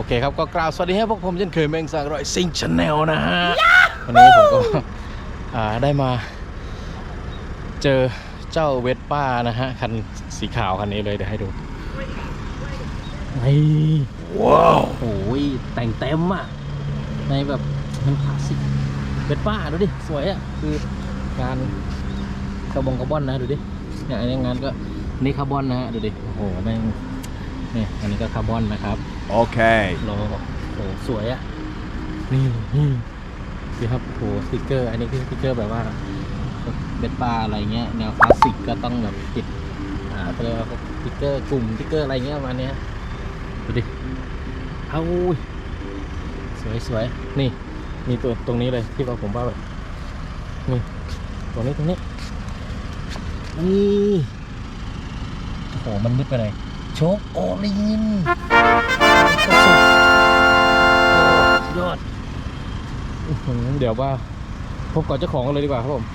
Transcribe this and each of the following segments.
เคครับก็กล่าวสวัสดีให้พวกผมเช่นเคยแมงสางรอยซิงชาแนลนะฮะวันนี้ผมก็ได้มาเจอเจ้าเวสป้านะฮะคันสีขาวคันนี้เลยเดี๋ยวให้ดูนี่ว้าวโอ้ยแต่งเต็มอ่ะในแบบมันคลาสสิกเวสป้าดูดิสวยอ่ะคืองานคาร์บอนนะดูดิเนี่ยอันนี้งานก็นี่คาร์บอนนะฮะดูดิโอ้โหแม่งนี่อันนี้ก็คาร์บอนนะครับโอเคโลโอ้สวยอ่ะนี่ดูครับโหสติกเกอร์อันนี้คือสติกเกอร์แบบว่าเบ็ดปลาอะไรเงี้ยแนวคลาสสิกก็ต้องแบบติดเขาเรียกว่าสติกเกอร์กลุ่มสติกเกอร์อะไรเงี้ยประมาณนี้ดูดิเอาสวยนี่มีตัวตรงนี้เลยที่ผมว่าแบบนี่ตรงนี้นี่โอ้โหมันมืดไปไหนโชคโอลินยอดเดี๋ยวว่าพบกับเจ้าของกันเลยดีกว่าครับผม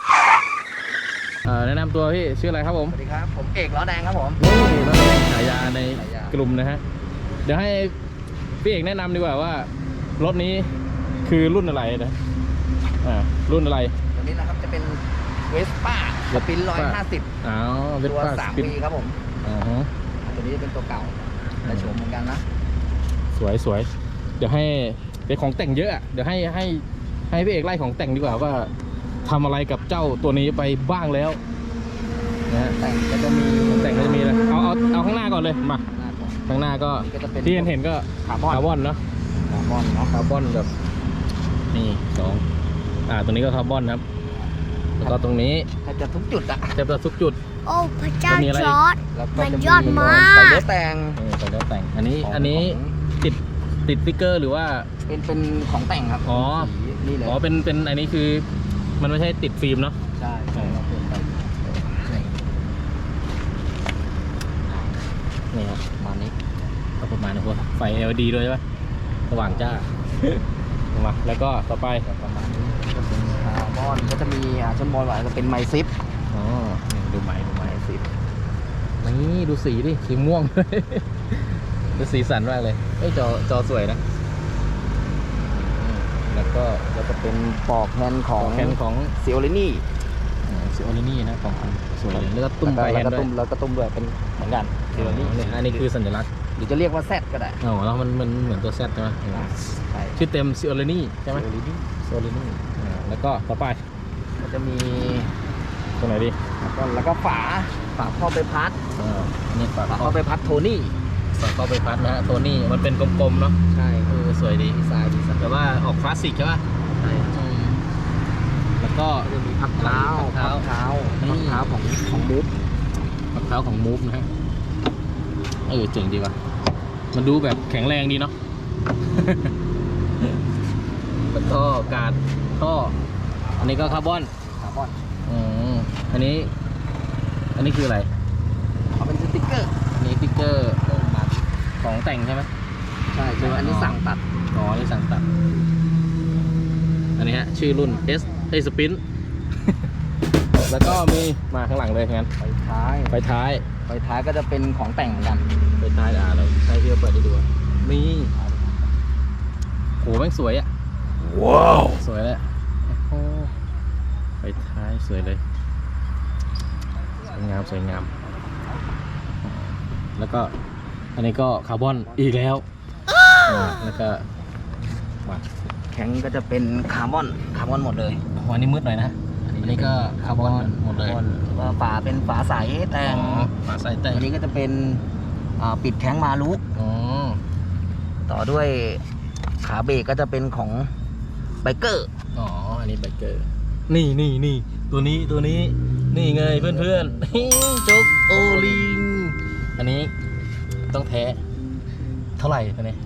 แนะนำตัวพี่ชื่ออะไรครับผมสวัสดีครับผมเอกล้อแดงครับผมนี่ล้อแดงฉายาในกลุ่มนะฮะเดี๋ยวให้พี่เอกแนะนำดีกว่าว่ารถนี้คือรุ่นอะไรนะรุ่นอะไรตัวนี้นะครับจะเป็นเวสป้าสปิน150ตัว3 ปีครับผมตัวนี้เป็นตัวเก่าแต่โฉมเหมือนกันนะสวยเดี๋ยวให้เป็นของแต่งเยอะเดี๋ยวให้พี่เอกไล่ของแต่งดีกว่าว่าทำอะไรกับเจ้าตัวนี้ไปบ้างแล้วนะแต่งก็จะมีเลยเอาข้างหน้าก่อนเลยมาข้างหน้าก็ที่เห็นก็คาร์บอนเนาะคาร์บอนแบบนี่ตัวนี้ก็คาร์บอนครับแล้วก็ตรงนี้จะทุกจุดอะจะทุกจุดโอ้พระเจ้าจอร์ดมันยอดมากใส่เลือแต่งอันนี้ติดสติ๊กเกอร์หรือว่าเป็นของแต่งครับนี่เลยเป็นอันนี้คือมันไม่ใช่ติดฟิล์มเนาะใช่นี่ครับประมาณนี้พวกไฟ LED ด้วยใช่ไหมสว่างจ้ามาแล้วก็ต่อไปประมาณนี้ก็เป็นคาร์บอนก็จะมีชั้นบนก็เป็นไมซิปดูไมซิปนี่ดูสีดิสีม่วงดูสีสันมากเลยจอสวยนะแล้วก็เป็นปอกแฮนด์ของซิโอลินี่นะของสวยเลยแล้วก็ตุ้มไปแฮนด์ด้วยแล้วก็ตุ้มด้วยเป็นเหมือนกันซิโอลินี่อันนี้คือสัญลักษณ์หรือจะเรียกว่าแซดก็ได้แล้วมันเหมือนตัวแซดใช่ไหมชื่อเต็มซิโอลินี่ใช่ไหมซิโอลินี่แล้วก็ต่อไปก็จะมีตรงไหนดีแล้วก็ฝาข้อใบพัดนี่ฝาข้อใบพัดโทนี่เข้าไปพัดนะฮะตัวนี้มันเป็นกลมๆเนาะใช่สวยดีดีไซน์แต่ว่าออกคลาสสิกใช่ป่ะใช่แล้วก็จะมีพักเท้าของมูฟพักเท้าของมูฟนะฮะเจ๋งดีว่ะมันดูแบบแข็งแรงดีเนาะแล้วก็การท่ออันนี้ก็คาร์บอนอันนี้คืออะไรเป็นสติ๊กเกอร์นี่สติ๊กเกอร์ของแต่งใช่ไหมใช่อันนี้สั่งตัดนี่สั่งตัดอันนี้ฮะชื่อรุ่นสปินแล้วก็มีมาข้างหลังเลยงั้นไฟท้ายก็จะเป็นของแต่งเหมือนกันไฟท้ายแล้วให้พี่เปิดให้ดูนี่โหแม่งสวยอ่ะว้าวสวยเลยไฟท้ายสวยเลยสวยงามแล้วก็อันนี้ก็คาร์บอนอีกแล้วแล้วก็แข็งก็จะเป็นคาร์บอนหมดเลยอันนี้มืดหน่อยนะอันนี้ก็คาร์บอนหมดเลยฝาเป็นฝาใสแต่งอันนี้ก็จะเป็นปิดแข้งมาลุกต่อด้วยขาเบรกก็จะเป็นของไบเกอร์อันนี้ไบเกอร์นี่ตัวนี้นี่ไงเพื่อนโจ๊กโอลิงอันนี้ต้องแท้เท่าไหร่ตัวนี้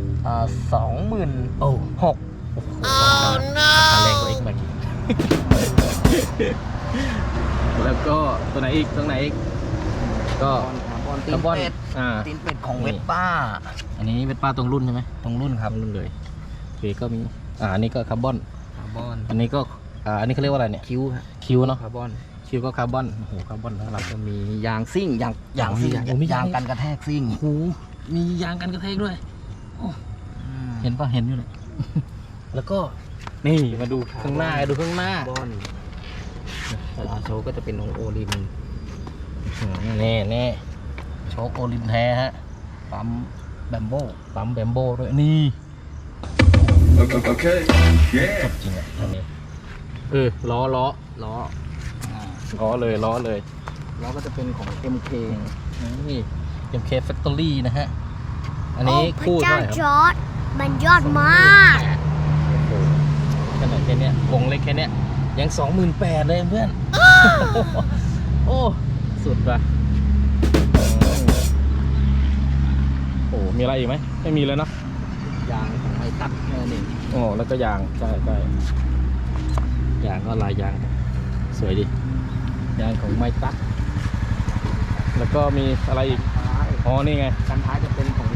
26,000 แรงกว่าเอ็กซ์มาแล้วก็ตัวไหนอีกก็คาร์บอนตีนเป็ดของเวสป้าอันนี้เวสป้าตรงรุ่นใช่ไหมตรงรุ่นครับรุ่นเลยโอเคก็มีอันนี้ก็คาร์บอนอันนี้ก็อันนี้เขาเรียกว่าอะไรเนี่ยคิวเนาะคาร์บอนคิวก็คาร์บอนโอ้โหคาร์บอนแล้วเราจะมียางซิ่งยางกันกระแทกซิ่งโอ้โหมียางกันกระแทกด้วยโเห็นปะเห็นอยู่เลย แล้วก็นี่มาดูข้างหน้าดูข้างหน้าบอนอาโชก็จะเป็นของโอลินแน่โชคโอลินแท้ฮะปั๊มแบมโบปั๊มแบมโบ้ด้วยนี่ Okay. จบจริงอ่ะอันนี้ล้อล้อล้อเลยล้อก็จะเป็นของ MK นี่ MK Factory นะฮะ อันนี้พระคู่เจ้าเท่าไหร่คจรับอร์ดมันยอดมากโอ้โหขนาดแค่เนี้ยวงเล็กแค่เนี้ยยัง 28,000เลยเพื่อน โอ้สุดว่ะโอ้มีอะไรอีกไหมไม่มีเลยเนาะยางของไมตัดแค่นี้โอ้แล้วก็ยางใช่ยางก็ลายยางสวยดิยางของไมตักแล้วก็มีอะไรอีกท้ายอ๋อนี่ไงกันท้ายจะเป็นของ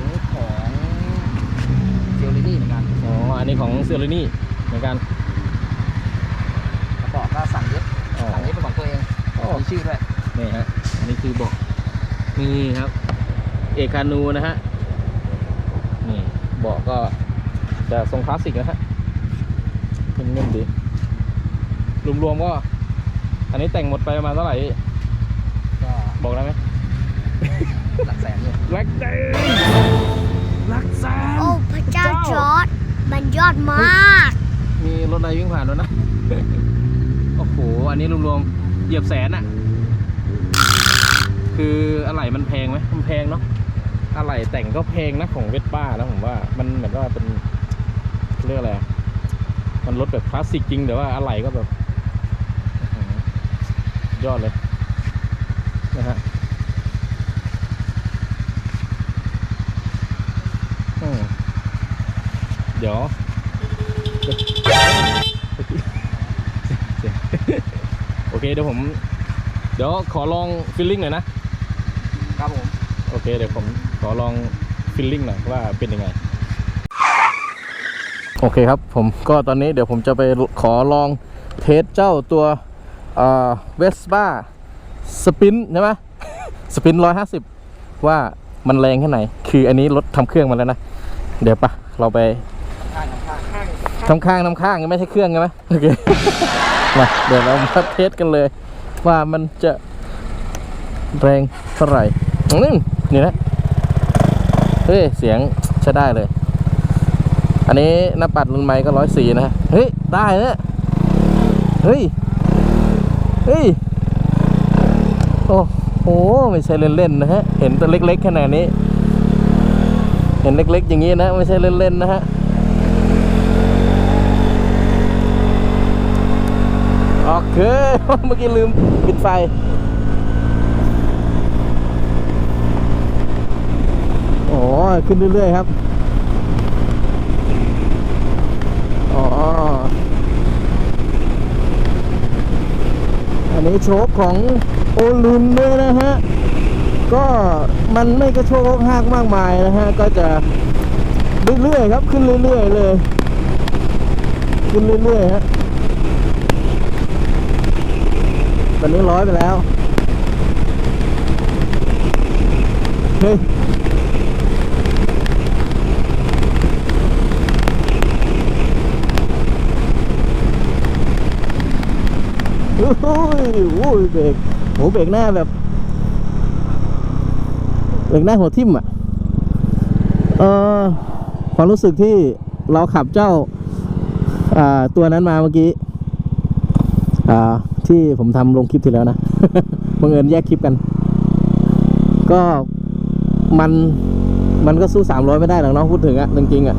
เซลลินี่เหมือนกันอ๋ออันนี้ของเซอร์นี่เหมือนกันแล้วก็สั่งเย็บอ๋อสั่งเย็บเป็นของตัวเองอ๋อมีชื่อด้วยนี่ฮะอันนี้คือเบอกนี่ครับเอกานูนะฮะนี่เบาะก็จะทรงคลาสสิกนะฮะเป็นเงินดีรวมๆก็อันนี้แต่งหมดไปประมาณเท่าไหร่ก็บอกได้ไหมหลักแสนเลยลักแสนโอ้พระเจ้าจอร์ดมันยอดมากมีรถอะไรวิ่งผ่านแล้วนะ โอ้โหอันนี้รวมๆเหยียบแสนอะคืออะไรมันแพงไหมมันแพงเนาะอะไรแต่งก็แพงนะของเวสป้าแล้วผมว่ามันเหมือนว่าเป็นเรียกอะไรอะมันรถแบบคลาสสิกจริงแต่ว่าอะไรก็แบบอื้อหือยอดเลยนะฮะเดี๋ยว โอเคเดี๋ยวขอลองฟิลลิ่งหน่อยนะครับผมโอเคเดี๋ยวผมขอลองฟิลลิ่งหน่อยว่าเป็นยังไงโอเคครับผมก็ตอนนี้เดี๋ยวผมจะไปขอลองเทสเจ้าตัวเวสป้าสปินใช่ไหม สปิน150ว่ามันแรงแค่ไหนคืออันนี้รถทำเครื่องมาแล้วนะเดี๋ยวปะเราไป ทำข้างยังไม่ใช่เครื่องใช่ไหมโอเค มาเดี๋ยวเรามาเทสกันเลยว่ามันจะแรงเท่าไหร่นี่นะเฮ้ยเสียงใช้ได้เลยอันนี้หน้าปัดรุ่นใหม่ก็104นะเฮ้ยได้นะเฮ้ยโอ้โหไม่ใช่เล่นๆนะฮะเห็นตัวเล็กๆขนาดนี้เห็นเล็กๆอย่างนี้นะไม่ใช่เล่นๆนะฮะโอเค เมื่อกี้ลืมปิดไฟโอ้ขึ้นเรื่อยๆครับอ๋ออันนี้โชคของโอลุนด้วยนะฮะก็มันไม่กระโชกหักมากมายนะฮะก็จะเรื่อยๆครับขึ้นเรื่อยๆเลยขึ้นเรื่อยๆฮะตอนนี้100ไปแล้วเฮ้ยโอ้ยเบรกโหเบรกหน้าแบบเบรกหน้าหัวทิ่มอ่ะความรู้สึกที่เราขับเจ้าตัวนั้นมาเมื่อกี้ที่ผมทำลงคลิปที่แล้วนะ บังเอิญแยกคลิปกันก็มันก็สู้300ไม่ได้หรอกเนาะพูดถึงอะจริงๆอะ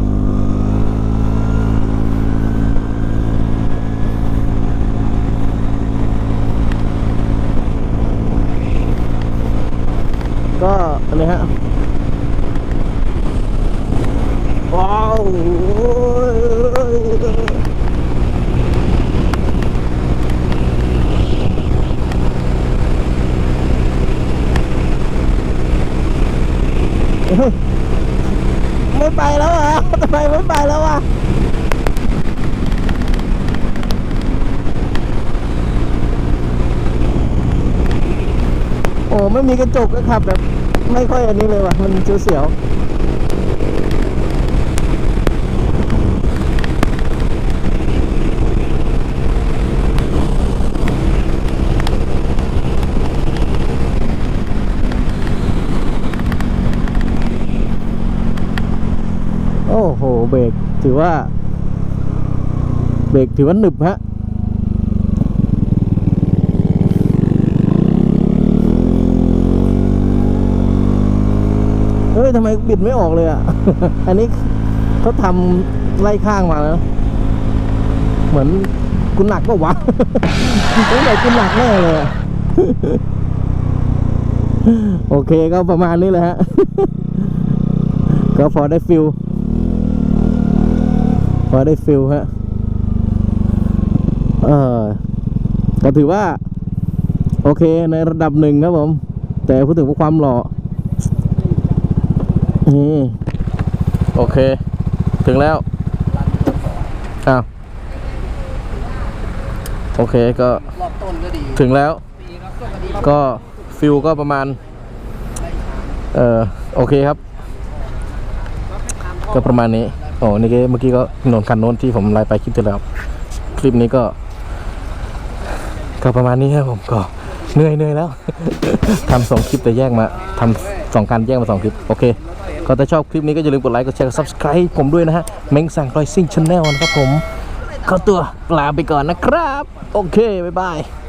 ก็อะไรฮะว้าวไม่ไปแล้วอ่ะทำไมไม่ไปแล้วอ่ะโอ้ไม่มีกระจกก็ขับแบบไม่ค่อยอันนี้เลยว่ะมันเสียวๆเบรกถือว่าหนึบฮะเฮ้ยทำไมบิดไม่ออกเลยอ่ะ อันนี้เขาทำไล่ข้างมาแล้วเหมือนกูหนักก็วะ ตั้งแต่กูหนักแน่เลยอะ โอเคก็ประมาณนี้แหละฮะ ก็พอได้ฟิลฮะก็ถือว่าโอเคในระดับหนึ่งครับผมแต่พูดถึงความหล่อนี่โอเคถึงแล้วอ้าวโอเคก็รอบต้นก็ดีถึงแล้วก็ฟิลก็ประมาณโอเคครับก็ประมาณนี้โอ้นี่เมื่อกี้ก็ถนนคันโน้นที่ผมไล่ไปคลิปที่แล้วคลิปนี้ก็ประมาณนี้ครับผมก็เหนื่อยแล้ว ทำ2 คลิปแต่แยกมาทำ2 การแยกมา2 คลิปโอเคก็ถ้าชอบคลิปนี้ก็อย่าลืมกดไลค์กดแชร์กด Subscribe ผมด้วยนะฮะเม้งสั่งรอยซิ่งชาแนลนะครับผมขอตัวลาไปก่อนนะครับโอเคบ๊ายบาย